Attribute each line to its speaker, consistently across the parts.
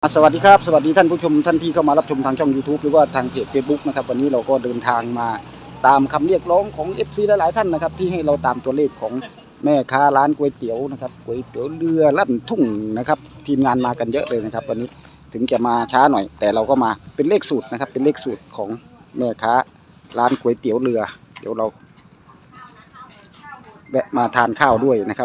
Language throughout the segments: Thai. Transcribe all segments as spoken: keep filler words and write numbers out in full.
Speaker 1: สวัสดีครับสวัสดีท่านผู้ชมท่านที่เข้ามารับชมทางช่อง ยูทูบ หรือว่าทางเพจ เฟซบุ๊ก นะครับวันนี้เราก็เดินทางมาตามคำเรียกร้องของ เอฟ ซี หลายๆท่านนะครับที่ให้เราตามตัวเลขของแม่ค้าร้านก๋วยเตี๋ยวนะครับก๋วยเตี๋ยวเรือลั่นทุ่งนะครับทีมงานมากันเยอะเลยนะครับวันนี้ถึงจะมาช้าหน่อยแต่เราก็มาเป็นเลขสูตรนะครับเป็นเลขสูตรของแม่ค้าร้านก๋วยเตี๋ยวเรือเดี๋ยวเราแวะมาทานข้าวด้วยนะครับ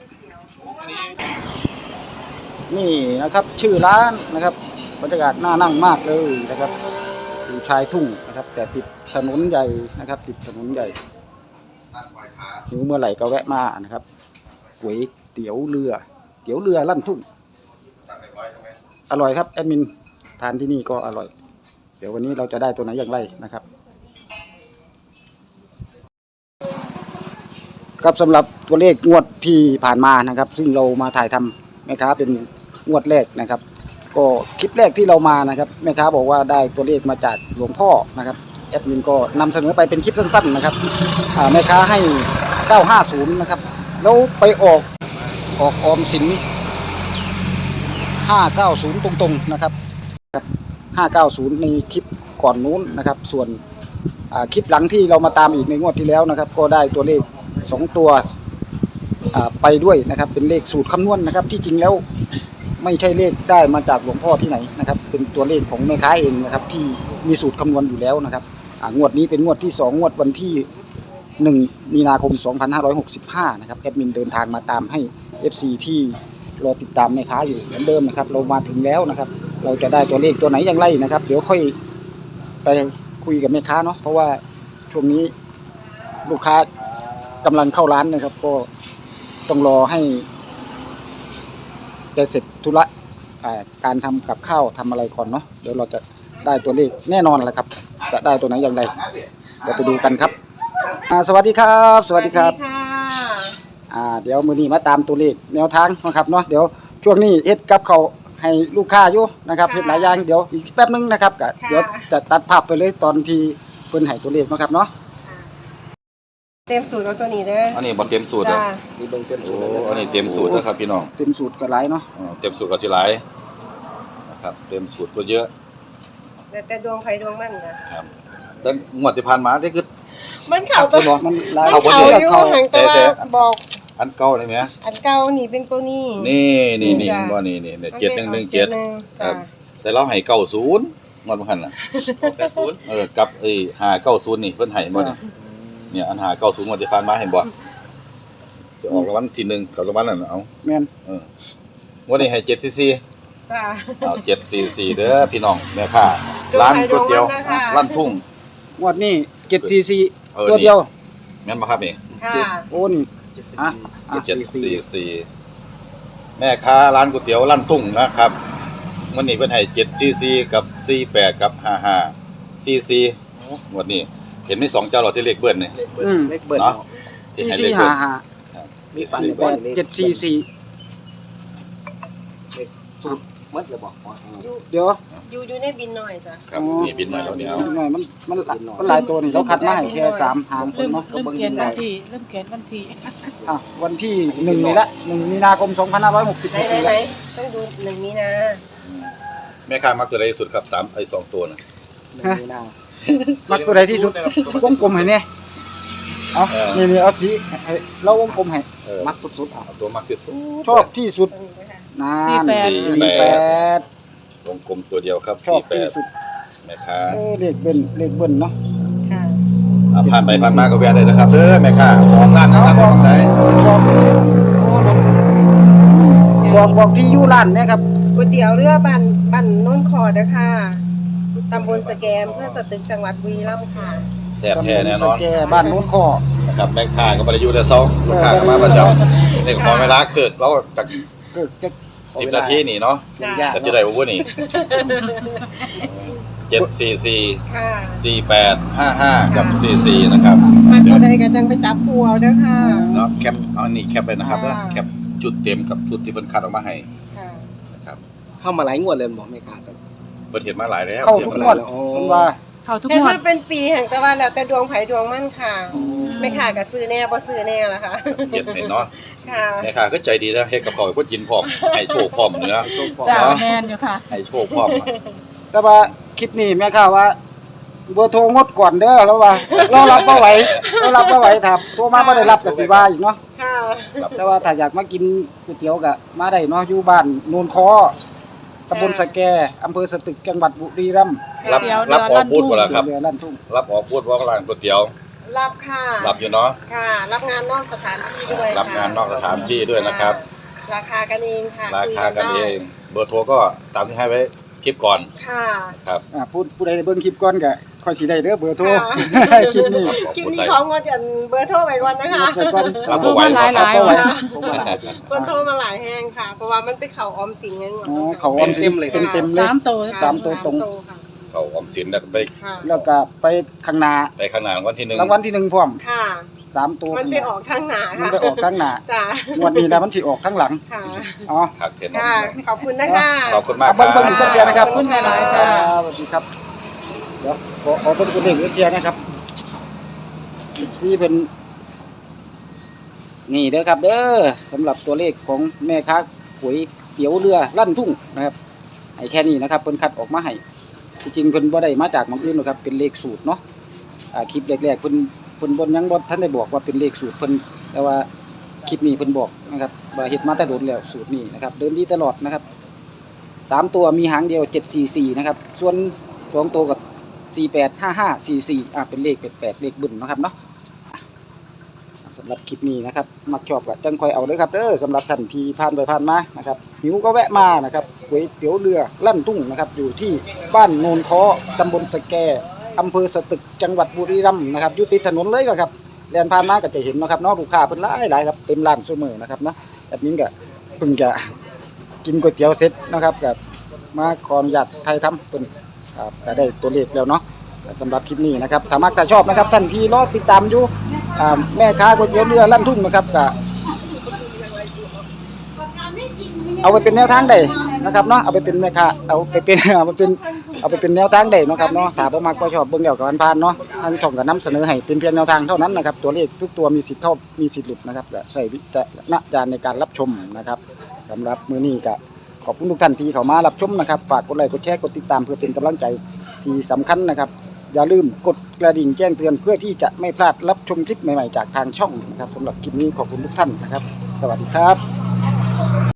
Speaker 1: นี่นะครับชื่อร้านนะครับบรรยากาศน่านั่งมากเลยนะครับอยู่ชายทุ่งนะครับแต่ติดถนนใหญ่นะครับติดถนนใหญ่หิวเมื่อไหร่ก็แวะมานะครับก๋วยเตี๋ยวเรือเตี๋ยวเรือลั่นทุ่งอร่อยครับแอดมินทานที่นี่ก็อร่อยเดี๋ยววันนี้เราจะได้ตัวไหนอย่างไรนะครับครับสำหรับตัวเลขงวดที่ผ่านมานะครับซึ่งเรามาถ่ายทำแม่ค้าเป็นงวดแรกนะครับก็คลิปแรกที่เรามานะครับแม่ค้าบอกว่าได้ตัวเลขมาจากหลวงพ่อนะครับแอดมินก็นำเสนอไปเป็นคลิปสั้นๆนะครับแม่ค้าให้เก้าห้าศูนย์นะครับแล้วไปออกออกออมสินห้าเก้าศูนย์ตรงๆนะครับห้าเก้าศูนย์ในคลิปก่อนนู้นนะครับส่วนคลิปหลังที่เรามาตามอีกในงวดที่แล้วนะครับก็ได้ตัวเลขสองตัวไปด้วยนะครับเป็นเลขสูตรคำนวณนะครับที่จริงแล้วไม่ใช่เลขได้มาจากหลวงพ่อที่ไหนนะครับเป็นตัวเลขของแม่ค้าเองนะครับที่มีสูตรคำนวณอยู่แล้วนะครับงวดนี้เป็นงวดที่สองงวดวันที่หนึ่งมีนาคมสองพันห้าร้อยหกสิบห้านะครับแอดมินเดินทางมาตามให้ เอฟ ซี ที่รอติดตามแม่ค้าอยู่เหมือนเดิมนะครับเรามาถึงแล้วนะครับเราจะได้ตัวเลขตัวไหนอย่างไรนะครับเดี๋ยวค่อยไปคุยกับแม่ค้าเนาะเพราะว่าช่วงนี้ลูกค้ากำลังเข้าร้านนะครับก็ต้องรอให้แกเสร็จธุระการทำกับข้าวทำอะไรก่อนเนาะเดี๋ยวเราจะได้ตัวเลขแน่นอนแหละครับจะได้ตัวไหนอย่างไรเดี๋ยวไปดูกันครับสวัสดีครับสวัสดีครับอ่าเดี๋ยวมื้อนี้มาตามตัวเลขแนวทางนะครับเนาะเดี๋ยวช่วงนี้เฮ็ดกับเขาให้ลูกค้าอยู่นะครับเฮ็ดหลายอย่างเดี๋ยวอีกแป๊บนึงนะครับก็เดี๋ยวจะตัดภาพไปเลยตอนที่เพิ่นให้ตัวเลขนะครับเนาะ
Speaker 2: เต็มสูตรเอาตัวนี้เด้อ
Speaker 3: อันนี้บ่เต็มสูตรเด้อ
Speaker 1: นี่เบิ่งเต็มสูตร
Speaker 3: อันนี้เต็มสูตรนะครับพี่น้อง
Speaker 1: เต็มสูตรก็หลายเนาะ
Speaker 3: อ๋อเต็มสูตรก็สิหลายนะครับเต็มสูตรก็เยอะ
Speaker 2: แต่แต่ดวงไผดวงมันนะครับ
Speaker 3: แต่งวดที่ผ่านมานี่คือ
Speaker 2: มันเข้าตัว
Speaker 1: มัน
Speaker 2: หลายเข้าอยู่ห่างแต่ว่าบอก
Speaker 3: อันเก่าได้มั้ย
Speaker 2: อันเก่านี่เป็นตัวนี้
Speaker 3: นี่นี่ๆบ่นี่ๆเจ็ดหนึ่งหนึ่งเจ็ดครับแต่เราให้เก้าศูนย์งวดบ่คั่นน่ะเก้าศูนย์เออกับไอ้ห้าเก้าศูนย์นี่เพิ่นให้บ่เนี่ยเนี่ยอันหาเก้าศูนย์งวดที่ผ่านมาเห็นบ่จะออกรางวัลที่หนึ่งกับรางวัลนั่นเอา
Speaker 1: แม่น
Speaker 3: เออวันนี้ให้เจ็ดซีซี
Speaker 2: จ้า
Speaker 3: เอาเจ็ดซีซีเด้อพี่น้องแม่ค้าร้านก๋วยเตี๋ยวร้านทุ่ง
Speaker 1: งวดนี้เจ็ดซีซีตัวเดียว
Speaker 3: แม่นบ่ครับนี่
Speaker 2: ค่ะ
Speaker 1: โอ้นี่อ่ะ
Speaker 3: เจ็ดซีซีแม่ค้าร้านก๋วยเตี๋ยวร้านทุ่งนะครับวันนี้เพิ่นให้เจ็ดซีซีกับสี่แปดกับห้าห้าซีซีงวดนี้เห็นมีสองเจ้าหรอที่เลขเบิ้ลนี่
Speaker 1: อืมเลขเบิ้ลเนาะสี่สี่ห้าห้ามีปันแปดเจ็ดสี่สี่สูตรมัดจะบอกเดี๋ยว
Speaker 2: อยู่อยู่ในบินหน่อยจ้ะ
Speaker 3: ครับมีบินหน่อยแล้วเนี่ย
Speaker 1: หน่อยมันมันมันหลายตัวนี่เราคัดมาให้แค่สามหางคนเนาะ
Speaker 4: เริ่มเขียนวันที่เริ่มเขียนวันที่
Speaker 1: อ่ะวันที่หนึ่งนี่ละหนึ่งมีนาคมสองพันห้าร้อยหกสิบ
Speaker 2: ไหนไหนต้องดูหนึ่งมีนา
Speaker 3: แม่ค้ามักตัวใดที่สุดครับสามไอ้สองตัวน่ะ
Speaker 1: หนึ่งมีนามักตัวใดที่สุดวงกลมให้เนี่ยเอานี่นี่เอาสีให้เราวงกลมให้มักสุดๆเอา
Speaker 3: ตัวมักที่สุด
Speaker 1: ชอบที่สุดนานสี่แปด
Speaker 3: วงกลมตัวเดียวครับสี่แปดแม่ค้า
Speaker 1: เลขเบิ้ลเลขเบิ้ลเนาะ
Speaker 2: ค่ะ
Speaker 3: ผ่านไปผ่านมาก็แวะได้นะครับเด้อแม่ค้าของร้านนะครับของไหน
Speaker 1: บอกบอกที่อยู่ร้านเนี่ยครับ
Speaker 2: ก๋วยเตี๋ยวเรือบ้านบ้านโน้นคอเด้อค่ะตำบลสแกมเพื่อสตึกจังหวัดบุรีรัมย์ค่ะ
Speaker 3: แซ่บแท้แน่นอน
Speaker 1: บ้านโน้นคอ
Speaker 3: นะครับแม่ค้าก็บ่ได้อยู่แต่เช้าลูกค้าก็มาประจำนี่ขอเวลาเกิดเราจักสิบนาทีนี่เนาะก็จะได้บ่นี่เจ็ดสี่สี่
Speaker 2: ค่ะ
Speaker 3: สี่แปดห้าห้ากับสี่สี่นะครับ
Speaker 2: มาตัวใดก็จังไปจับคู่เอาเด้อค่ะ
Speaker 3: เนาะแคปเอานี่แคปไปนะครับแล้วแคปจุดเต็มกับจุดที่เพิ่นคัดออกมาให้
Speaker 2: ค่ะ
Speaker 3: นะครับ
Speaker 1: เข้ามาหลายงวดเลยบ่แม่ค้า
Speaker 3: เพิ่นเห็นมาหลายแล้ว
Speaker 1: เข้าทุกงวดมันว่า
Speaker 4: เข้าทุก
Speaker 2: ง
Speaker 4: วด
Speaker 2: แต่เป็นปีแห่งแต่ว่าแล้วแต่ดวงไผดวงมันค่ะแม่ค้าก็ซื้อแน่บ่ซื้อแน่ล่ะค่ะ
Speaker 3: เฮ็ดให้เนาะ
Speaker 2: ค่ะ
Speaker 3: แม่ค้าก็ใจดีนะเฮ็ดกับข้าวให้คนกินพร้อมให้โชคพร้อมนี่นะ
Speaker 4: จ้า
Speaker 3: เนาะ
Speaker 4: แมนอยู่ค่ะ
Speaker 3: ให้โชคพร้อม
Speaker 1: แต่ว่าคลิปนี้แม่ค้าว่าเบอร์โทรงดก่อนเด้อแล้วว่า เรารับบ่ไหวเรารับบ่ไหวถ้าโทรมาบ่ได้รับก็สิว่าอีกเนาะ
Speaker 2: ค่ะ
Speaker 1: แต่ว่าถ้าอยากมากินก๋วยเตี๋ยวก็มาได้เนาะอยู่บ้านโนนคอตำบลสะแกอำเภอสตึกจังหวัดบุรีรัมย์
Speaker 3: รับ
Speaker 4: เดี๋ยว
Speaker 3: รับออกพูดบ่ล่ะครับ
Speaker 1: เรือลั่นทุ่ง
Speaker 3: รับออกพูดว่าร้านก๋วยเตี๋ยว
Speaker 2: รับค่ะ
Speaker 3: รับอยู่เนาะ
Speaker 2: ค่ะ รับงานนอกสถานที่ด้วย
Speaker 3: รับงานนอกสถานที่ด้วยนะครับ
Speaker 2: ราคากันเองค่ะ
Speaker 3: ราคากันเอง
Speaker 2: คุย
Speaker 3: เบอร์โทรก็ตามที่ให้ไว้คลิปก่อน
Speaker 2: ค่ะ
Speaker 3: ครับ
Speaker 1: อ่าผู้ผู้ใดได้เบิ่งคลิปก่อนก็ค่อยสิได้เด้อเบอร์โทร
Speaker 2: ค่ะ
Speaker 1: คลิปนี้
Speaker 2: คลิปนี้ของงดกันเบอร์โทรไปก่อนนะคะ
Speaker 1: ไปก่อน
Speaker 3: รับบ่ไหว
Speaker 4: หลายหลาย
Speaker 1: บ่ไหว
Speaker 4: ค่ะ
Speaker 1: บ่ไหว
Speaker 2: คนโทรมาหลายแห้งค่ะ เพราะว่ามันไปเข่าออมสินไงงด
Speaker 1: อ๋อเขาออมสินเต็มเต็มๆเลย
Speaker 4: สามตัว
Speaker 1: สามตัวตรง
Speaker 2: ค่ะ
Speaker 3: เขาออมสินแล้วก็ไป
Speaker 2: ค่ะ
Speaker 1: แล้วก็ไปข้างหน้า
Speaker 3: ไปข้างหน้ารางวัลที่หนึ่ง
Speaker 1: รางวัลที่หนึ่งพร้อม
Speaker 2: ค่ะ
Speaker 1: สามตัว
Speaker 2: มันไปออกข้างหน้า
Speaker 1: มัน
Speaker 2: ค่ะ
Speaker 1: ไปออกข้างหน้า
Speaker 2: จ้าง
Speaker 1: วดนี้นะมันสิออกข้างหลัง
Speaker 2: ค่ะ
Speaker 1: อ๋อ
Speaker 3: ครับเทน
Speaker 2: ค่ะ ขอบคุณนะคะ
Speaker 3: ขอบคุณมากค
Speaker 1: เบิ่
Speaker 3: รั
Speaker 1: งเบิ่งอีกสัก
Speaker 3: บ
Speaker 1: เทียนะครับ
Speaker 2: ขอบคุณหลายๆจ้า
Speaker 1: สวัสดีครับเดี๋ยวขอขอเบิ่งตัวเลขอีกเทียนะครับสี่เป็นนี่เด้อครับเด้อสำหรับตัวเลขของแม่ค้าก๋วยเตี๋ยวเรือลั่นทุ่งนะครับให้แค่นี้นะครับเพิ่นคัดออกมาให้ที่จริงเพิ่นบ่ได้มาจากหม้องอื่นหรอกครับเป็นเลขสูตรเนาะอ่าคลิปแรกๆเพิ่นเพิ่นบ่ยังบ่ทันได้บอกว่าเป็นเลขสูตรเพิ่นแต่ว่าคลิปนี้เพิ่นบอกนะครับว่าเฮ็ดมาแต่โดนแล้วสูตรนี้นะครับเดินดีตลอดนะครับสามตัวมีหางเดียวเจ็ดสี่สี่นะครับส่วนสองตัวกับสี่แปดห้าห้าสี่สี่อ่าเป็นเลขแปลกๆเลขบึ้นนะครับเนาะสำหรับคลิปนี้นะครับมักชอบก็จังค่อยเอาเด้อครับเด้อสำหรับท่านที่ผ่านไปผ่านมานะครับหิวก็แวะมานะครับก๋วยเตี๋ยวเรือลั่นทุ่งนะครับอยู่ที่บ้านโนนค้อตำบลสะแกอำเภอสตึกจังหวัดบุรีรัมย์นะครับอยู่ติดถนนเลยครับแล่นผ่านมาก็จะเห็นนะครับเนาะลูกค้าเพิ่นหลายหลายครับเต็มร้านซุมื้อนะครับเนาะแบบนี้ก็เพิ่งจะกินก๋วยเตี๋ยวเสร็จนะครับก็มาขออนุญาตไทยทำเพิ่นครับจะได้ตัวเลขแล้วเนาะสำหรับคลิปนี้นะครับถ้ามักถ้าชอบนะครับท่านที่รอติดตามอยู่อ่าแม่ค้าก๋วยเตี๋ยวเรือลั่นทุ่งนะครับก็เอาไปเป็นแนวทางได้นะครับเนาะเอาไปเป็นแม่ค้าเอาไปเป็น เอาไปเป็นเอาไปเป็นแนวทางได้เนาะครับเนาะถ้าบ่มักบ่ชอบเบิ่งแล้วก็ผ่านๆเนาะทางช่องก็นำเสนอให้เป็นเพียงแนวทางเท่านั้นนะครับตัวเลขทุกตัวมีสิทธิ์เข้ามีสิทธิ์หลุดนะครับก็ใช้วิจารณญาณในการรับชมนะครับสำหรับมื้อนี้ก็ขอบคุณทุกท่านที่เข้ามารับชมนะครับฝากกดไลค์กดแชร์กดติดตามเพื่อเป็นกำลังใจที่สำคัญนะครับอย่าลืมกดกระดิ่งแจ้งเตือนเพื่อที่จะไม่พลาดรับชมคลิปใหม่ๆจากทางช่องนะครับสำหรับคลิปนี้ขอบคุณทุกท่านนะครับ สวัสดีครับ